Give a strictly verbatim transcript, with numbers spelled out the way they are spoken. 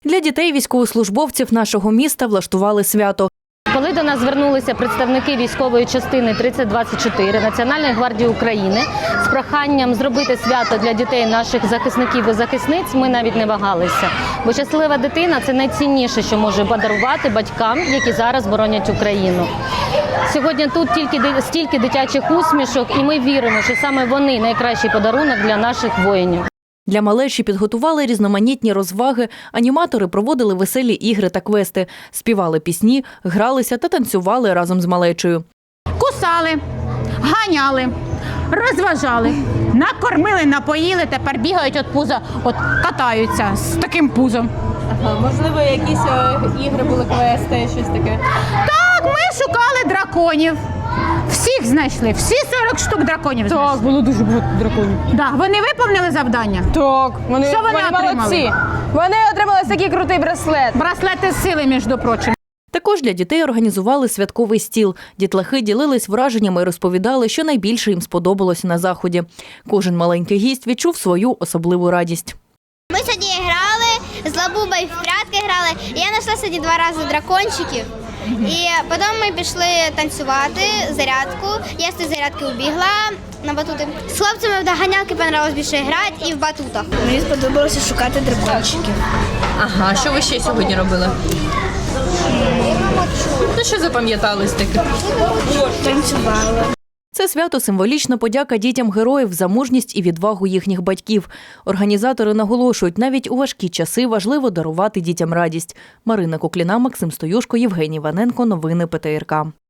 Для дітей військовослужбовців нашого міста влаштували свято. Коли до нас звернулися представники військової частини тридцять двадцять чотири Національної гвардії України з проханням зробити свято для дітей наших захисників і захисниць, ми навіть не вагалися. Бо щаслива дитина – це найцінніше, що може подарувати батькам, які зараз боронять Україну. Сьогодні тут тільки стільки дитячих усмішок, і ми віримо, що саме вони – найкращий подарунок для наших воїнів. Для малечі підготували різноманітні розваги, аніматори проводили веселі ігри та квести, співали пісні, гралися та танцювали разом з малечею. Кусали, ганяли, розважали, накормили, напоїли, тепер бігають від пуза, от катаються з таким пузом. Ага, можливо, якісь е, ігри були, квести, щось таке? Так, ми шукали драконів. Всіх знайшли, всі сорок штук драконів знайшли. Так, було дуже багато драконів. Да, вони виповнили завдання? Так, вони, Що вони отримали? молодці. Вони отримали такий крутий браслет. Браслети сили, між прочим. Також для дітей організували святковий стіл. Дітлахи ділились враженнями і розповідали, що найбільше їм сподобалося на заході. Кожен маленький гість відчув свою особливу радість. Ми сьогодні грали, з Лабубою в прятки грали. І я знайшла сьогодні два рази дракончиків. І потім ми пішли танцювати, зарядку. Я з цієї зарядки убігла на батути. З хлопцями в доганялки понравилось більше грати і в батутах. Мені сподобалося шукати дракончиків. Ага, що ви ще сьогодні робили? Ну, що запам'яталось таке? Танцювала. Це свято – символічна подяка дітям героїв за мужність і відвагу їхніх батьків. Організатори наголошують, навіть у важкі часи важливо дарувати дітям радість. Марина Кукліна, Максим Стоюшко, Євгеній Ваненко. Новини ПТРК.